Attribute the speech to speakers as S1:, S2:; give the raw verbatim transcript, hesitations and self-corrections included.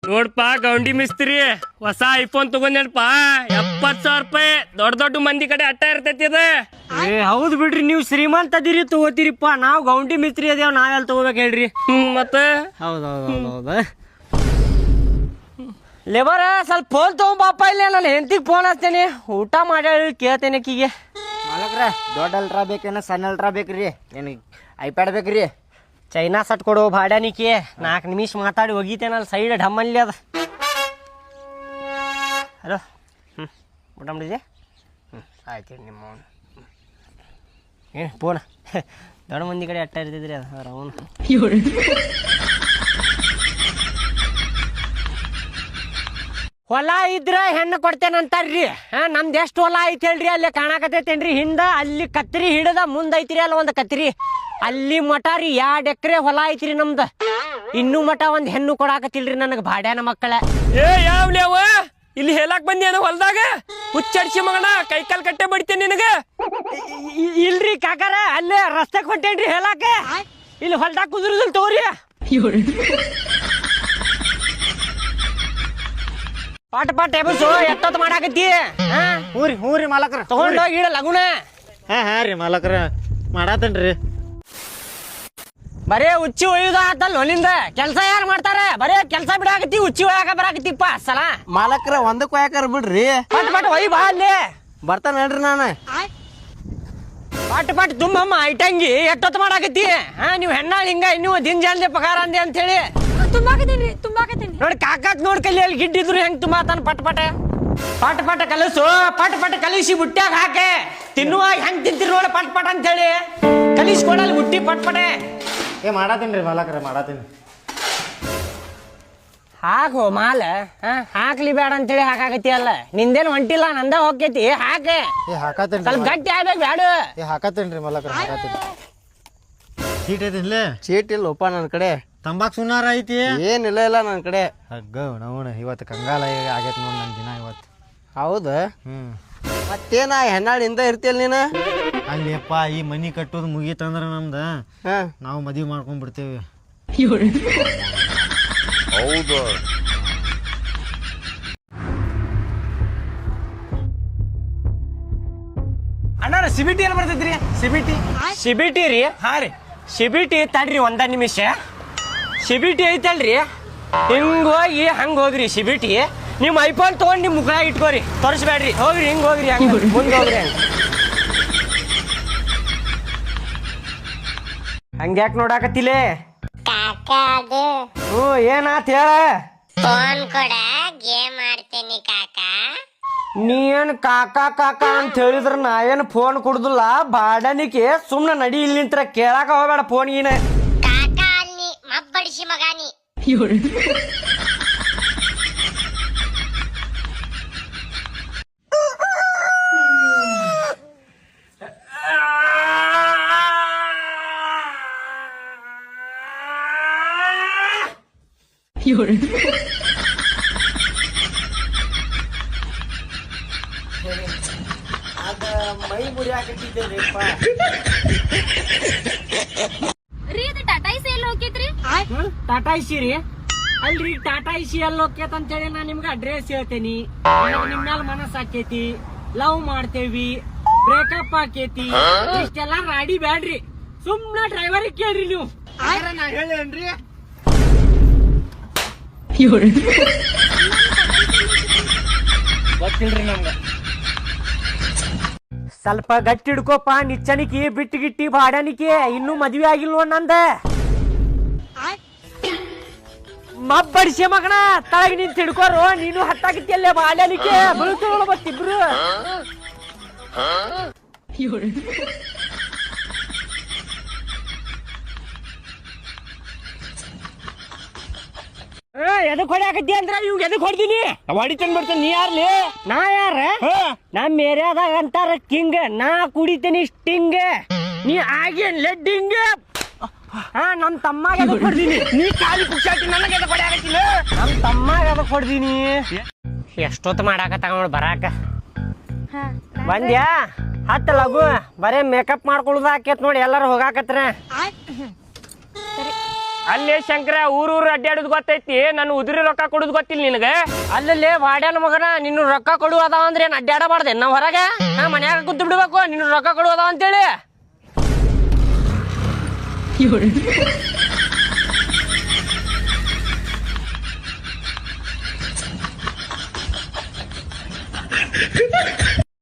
S1: ನೋಡ್ಪ ಗೌಂಡಿ ಮಿಸ್ತ್ರಿ ಹೊಸ ಐಫೋನ್ ತಗೊಂಡೇನಪ್ಪ ಎಪ್ಪತ್ ಸಾವಿರ ರೂಪಾಯಿ ದೊಡ್ಡ ದೊಡ್ಡ ಮಂದಿ ಕಡೆ ಅಟ್ಟ ಇರ್ತೈತಿ ಅದ.
S2: ಏ ಹೌದು ಬಿಡ್ರಿ, ನೀವು ಶ್ರೀಮಂತ ಅದಿರಿ ತಗೋತೀರಿಪ್ಪ, ನಾವು ಗೌಂಡಿ ಮಿಸ್ತ್ರಿ ಅದೇವ್ ನಾವೆಲ್ಲ ತಗೋಬೇಕು ಹೇಳ್ರಿ.
S1: ಹ್ಮ್ ಮತ್ತ
S2: ಹೌದೌದು ಹೌದು. ಲೇಬರ ಸ್ವಲ್ಪ ಫೋನ್ ತಗೊಂಬಾಪ, ಇಲ್ಲ ನಾನು ಹೆಂಡತಿಗೆ ಫೋನ್ ಹಚ್ತೇನೆ, ಊಟ ಮಾಡಿ ಕೇಳ್ತೇನೆ ಆಕಿಗೆ.
S3: ಮಾಲಕ್ರ ದೊಡ್ಡ ಅಲ್ಟ್ರಾ ಬೇಕೇನ ಸಣ್ಣ ಅಲ್ಟ್ರಾ ಬೇಕ್ರಿ? ಏನು ಐಪ್ಯಾಡ್ ಬೇಕ್ರಿ?
S2: ಚೈನಾ ಸಟ್ ಕೊಡು ಭಾಡ್ಯಾನಿಕೆ, ನಾಲ್ಕು ನಿಮಿಷ ಮಾತಾಡಿ ಹೋಗಿತೇನಲ್ಲ ಸೈಡ್ ಢಮ್ಮಲ್ಲಿ ಅದ. ಹಲೋ, ಹ್ಞೂ ಊಟ ಮಾಡಿದೆ? ಹ್ಞೂ ಆಯ್ತು ನಿಮ್ಮ ಏನು ಫೋನ ದೊಡ್ಡ ಮಂದಿ ಕಡೆ ಅಟ್ಟ ಇರ್ತಿದ್ರಿ ಅದು ಅವನು. ಹೊಲ ಇದ್ರ ಹೆಣ್ಣು ಕೊಡ್ತೇನಂತಾರ್ರಿ. ಹಾ ನಮ್ದು ಎಷ್ಟು ಹೊಲ ಐತಿ ಹೇಳ್ರಿ, ಅಲ್ಲಿ ಕಾಣಕತ್ತೈತೇನ್ರಿ ಹಿಂದ, ಅಲ್ಲಿ ಕತ್ರಿ ಹಿಡದ ಮುಂದೆ ಐತ್ರಿ ಅಲ್ಲ ಒಂದು ಕತ್ರಿ, ಅಲ್ಲಿ ಮಠ ರೀ ಎರಡು ಎಕರೆ ಹೊಲ ಐತ್ರಿ ನಮ್ದು. ಇನ್ನೂ ಮಠ ಒಂದು ಹೆಣ್ಣು ಕೊಡಾಕತ್ತಿಲ್ರಿ ನನಗೆ ಭಾಡ್ಯಾನ ಮಕ್ಕಳ.
S1: ಏ ಯಾವ್ಲಿ ಅವ ಇಲ್ಲಿ ಹೇಳಕ್ ಬಂದಿ ಏನೋ ಹೊಲ್ದಾಗ ಹುಚ್ಚಡ್ಸಿ ಮಗನ ಕೈ ಕಾಲ್ ಕಟ್ಟೆ ಬಡಿತೇನೆ ನಿನಗ.
S2: ಇಲ್ರಿ ಕಾಕಾರ, ಅಲ್ಲೇ ರಸ್ತೆಗೆ ಹೊಂಟೇನ್ರಿ ಹೇಳಾಕ, ಇಲ್ಲಿ ಹೊಲ್ದಾಗ ಕುದುರುದಿಲ್ ತಗೋರಿ. ಪಾಟ ಪಾಟ ಎಬಸು ಎಷ್ಟೊತ್ತು ಮಾಡಾಕತ್ತಿ?
S3: ಹ್ಞೂ ರೀ ಹ್ಞೂ ರೀ ಮಾಲಕ್ರ
S2: ತಗೊಂಡೋಗಿ ಇಡ ಲಗುನ.
S3: ಹಾಂ ಹಾಂ ರೀ ಮಾಲಕ್ರ ಮಾಡಾತೇನ್ರಿ.
S2: ಬರೇ ಉಚ್ಚಿ ಒಯ್ಯುದ ಆತಲ್ ಒಲಿಂದ, ಕೆಲ್ಸ ಯಾರು ಮಾಡ್ತಾರೆ? ಬರೇ ಕೆಲ್ಸ ಬಿಡಾಕತ್ತಿ, ಉಚ್ಚಿ ಒಯ್ಯಾಕ ಬರಾಕತ್ತಿಪ್ಪ ಸಲ.
S3: ಮಾಲಕ್ರ ಒಂದಕ್ಕೆ ಯಾಕಾರ ಬಿಡ್ರಿ,
S2: ಪಟ್ ಪಟ್ ಒಯ್ ಬಾ ಅಲ್ಲಿ
S3: ಬರ್ತಾನೆ ಹೇಳ್ರಿ ನಾನು.
S2: ಪಟ್ ಪಟ್ ತುಂಬಮ್ಮ ಐಟಂಗಿ ಎಷ್ಟೊತ್ತು ಮಾಡಾಕತ್ತಿ? ಹಾ ನೀವು ಹೆಣ್ಣಾಳ ಹಿಂಗ ನೀವು ದಿನ ಜಲ್ದಿ ಪಗಾರ ಅಂದೆ ಅಂತ ಹೇಳಿ
S4: ತುಂಬಾಕತ್ತೀನಿ ತುಂಬಾಕತ್ತೀನಿ
S2: ನೋಡಿ ಕಾಕಾಕ್ ನೋಡ್ ಕಲಿ ಅಲ್ಲಿ ಗಿಡ್ಡಿದ್ರು ಹೆಂಗ್ ತುಂಬಾತಾನ. ಪಟ್ ಪಟ ಪಟ್ ಪಟ ಕಲಸು, ಪಟ್ ಪಟ ಕಲಿಸಿ ಬುಟ್ಟ್ಯಾಗ ಹಾಕೆ ತಿನ್ನುವಾಗ ಹೆಂಗ್ ತಿಂತೀರಿ ನೋಡಿ ಪಟ್ ಪಟ ಅಂತ ಹೇಳಿ ಕಲಿಸ್ಕೊಡಲ್ಲಿ ಬುಟ್ಟಿ ಪಟ್ ಪಟೆ.
S3: ಏ ಮಾಡಾತೀನಿ ರೀ ಮಾಲಕ್ರ ಮಾಡಾತೀನಿ.
S2: ಹಾಕೋ ಮಾಲ ಹಾಕ್ಲಿ ಬೇಡ ಅಂತೇಳಿ ಹಾಕಾಕತಿ ಅಲ್ಲ, ನಿಂದೇನು ಹೊಂಟಿಲ್ಲ ನಂದ ಹೋಗ್ತೈತಿ ಹಾಕೆ.
S3: ಏ ಹಾಕತ್ತೇನ್ರಿ
S2: ಸ್ವಲ್ಪ ಗಟ್ಟಿ ಆಗ್ಬೇಕು ಬೇಡ.
S3: ಏ ಹಾಕತ್ತೇನ್ರಿ ಮಾಲಕ್ರ ಹಾಕತ್ತೀನಿ. ಚೀಟ್ ಐತಿನ್ಲೇ?
S5: ಚೀಟ್ ಇಲ್ಲಪ್ಪ ನನ್ನ ಕಡೆ.
S3: ತಂಬಾಕ್ ಸುನಾರ ಐತಿ?
S5: ಏನಿಲ್ಲ ಇಲ್ಲ ನನ್ನ ಕಡೆ.
S3: ಹಗ್ಗ ನೋಣ ಇವತ್ತು ಕಂಗಾಲ ಆಗೈತೆ ನೋಡಿ ನನ್ನ ದಿನ ಇವತ್ತು.
S5: ಹೌದಾ?
S3: ಹ್ಞೂ
S5: ಮತ್ತೇನ ಹೆಣ್ಣಾಳಿಂದ ಇರ್ತಿಯಲ್ಲ ನೀನು?
S3: ಅಲ್ಲಿಯಪ್ಪ ಈ ಮನಿ ಕಟ್ಟೋದು ಮುಗೀತಂದ್ರೆ ನಮ್ದು
S5: ಹಾಂ
S3: ನಾವು ಮದುವೆ ಮಾಡ್ಕೊಂಡ್ಬಿಡ್ತೇವೆ.
S6: ಹೌದು
S2: ಅಣ್ಣ ಸಿಬಿಟಿ ಎಲ್ಲಿ ಬರ್ತೈತ್ರಿ? ಸಿಬಿಟಿ ಸಿಬಿಟಿ ರೀ? ಹಾ ರೀ ಸಿಬಿಟಿ ತಡ್ರಿ ಒಂದ ನಿಮಿಷ. ಸಿಬಿಟಿ ಐತಲ್ರಿ, ಹಿಂಗ್ ಹೋಗಿ ಹಂಗ ಹೋಗ್ರಿ ಸಿಬಿಟಿ. ನಿಮ್ ಐಫೋನ್ ತಗೊಂಡ್ ನಿಮ್ ಮುಖ ಇಟ್ಕೋರಿ, ತೋರಿಸ್ಬೇಡ್ರಿ. ಹೋಗ್ರಿ ಹಿಂಗ್ ಹೋಗ್ರಿ, ಹಂಗ ಮುಂದೆ ಹೋಗ್ರಿ. ಹಂಗ ಹಂಗ್ಯಾಕ್ ನೋಡಾಕತ್ತಿಲೆ? ಹ್ಞೂ ಏನಾತ್ ಹೇಳ.
S7: ಫೋನ್ ಕೊಡ ಗೇಮ್ ಆಡ್ತೇನೆ ಕಾಕಾ.
S2: ನೀ ಏನ್ ಕಾಕಾ ಕಾಕಾ ಅಂತ ಹೇಳಿದ್ರ ನಾ ಏನ್ ಫೋನ್ ಕೊಡುದಿಲ್ಲ ಬಾಡನಿಕೆ. ಸುಮ್ನೆ ನಡಿ ಇಲ್ಲಿ ನಿಂತ್ರ ಕೇಳಾಕ ಹೋಗ್ಬೇಡ ಫೋನ್ಗಿನ.
S7: ಕಾಕಾ ಅಲ್ಲಿ ಮಬ್ಬಡಿಸಿ ಮಗಾನಿ.
S2: ಅದ ಮೈ ಮುರಿಯಾಕತ್ತಿದ್ದೇಪ್ಪ.
S4: ರೀ ಅದು ಟಾಟಾ ಐಸಿ ಎಲ್ಲಿ ಹೋಗಿದ್ರಿ?
S2: ಟಾಟಾ ಐಸಿ ರೀ? ಅಲ್ರಿ ಟಾಟಾ ಐಸಿ ಎಲ್ಲಿ ಹೋಗ್ಯತ ಅಂತೇಳಿ ನಾ ನಿಮ್ಗೆ ಅಡ್ರೆಸ್ ಹೇಳ್ತೇನಿ. ನಿಮ್ ಮ್ಯಾಲ ಮನಸ್ಸು ಆಕೇತಿ, ಲವ್ ಮಾಡ್ತೇವಿ, ಬ್ರೇಕಪ್ ಆಕೇತಿ, ಇಷ್ಟೆಲ್ಲ ರಾಡಿ ಬ್ಯಾಡ್ರಿ. ಸುಮ್ನ ಡ್ರೈವರಿಗೆ ಕೇಳ್ರಿ ನೀವು.
S3: ನಾ ಹೇಳೇನ್ರಿ?
S2: ಗೊತ್ತಿಲ್ರಿ ನಮ್ಗ. ಸ್ವಲ್ಪ ಗಟ್ಟಿ ಹಿಡ್ಕೋಪ ನಿಚ್ಚನಿಕಿ ಬಿಟ್ಟು ಗಿಟ್ಟಿ ಬಾಡನಿಕೆ. ಇನ್ನೂ ಮದ್ವೆ ಆಗಿಲ್ವ ನಂದ? ಮಬ್ಬಡಿಸಿ ಮಗನ ತಳಗ ನಿಂತ ಹಿಡ್ಕೋರು. ನೀನು ಹತ್ತಾಗಿತ್ತಿಯಲ್ಲೇ ಬಾಡನಿಕೆ ಬೀಳ್ತೀವಳ ಮತ್ತಿಬ್ರು. ಎದಕ್ ಹೊಡ್ಯಾಕತ್ತಿ ಅಂದ್ರ ಇವ್ ಎದಕ್ ಹೊಡ್ತೀನಿ?
S1: ಹೊಡಿತೇನೆ ಬಿಡ್ತೇನೆ. ನೀ ಯಾರ್ಲಿ?
S2: ನಾ ಯಾರ? ನಮ್ ಏರಿಯಾದಾಗ ಅಂತಾರ ಕಿಂಗ್, ನಾ ಕುಡಿತೀನಿ ಸ್ಟಿಂಗ್, ನೀ ಆಗೇನ್ ಲೆಡ್ಡಿಂಗ್. ಹಾ ನಮ್ ತಮ್ಮಾಗ ಎದಕ್ ಹೊಡ್ದೀನಿ?
S1: ನೀ ಕಾಲಿ ಪುಕ್ಷಾಟಿ ನನಗೆ ಎದಕ್ ಹೊಡ್ಯಾಕತ್ತಿಲ್ಲ?
S2: ನಮ್ ತಮ್ಮಾಗ ಎದಕ್ ಹೊಡ್ದೀನಿ? ಎಷ್ಟೊತ್ತು ಮಾಡಾಕತ್ತ ನೋಡ್ ಬರಾಕ. ಬಂದ್ಯಾ? ಹತ್ತ ಲಗು. ಬರೇ ಮೇಕಪ್ ಮಾಡ್ಕೊಳ್ಳೋದ ಆಕೇತ್ ನೋಡಿ, ಎಲ್ಲಾರು ಹೋಗಾಕತ್ರ.
S1: ಅಲ್ಲೇ ಶಂಕರ ಊರೂರು ಅಡ್ಡಾಡೋದು ಗೊತ್ತೈತಿ ನಾನು ಉದುರಿ ರೊಕ್ಕ ಕೊಡೋದು ಗೊತ್ತಿಲ್ಲ ನಿನಗೆ.
S2: ಅಲ್ಲಲ್ಲಿ ವಾಡ್ಯಾನ ಮಗನ ನಿನ್ನ ರೊಕ್ಕ ಕೊಡು ಅದಾವ ಅಂದ್ರೆ ಏನ್ ಅಡ್ಡಾಡಬಾರ್ದೆ ನಾವ್ ಹೊರಗೆ ನಾ ಮನ್ಯಾಗ ಕೂತ್ ಬಿಡ್ಬೇಕು ನಿನ್ನ ರೊಕ್ಕ ಕೊಡು ಅದಾವ ಅಂತೇಳಿ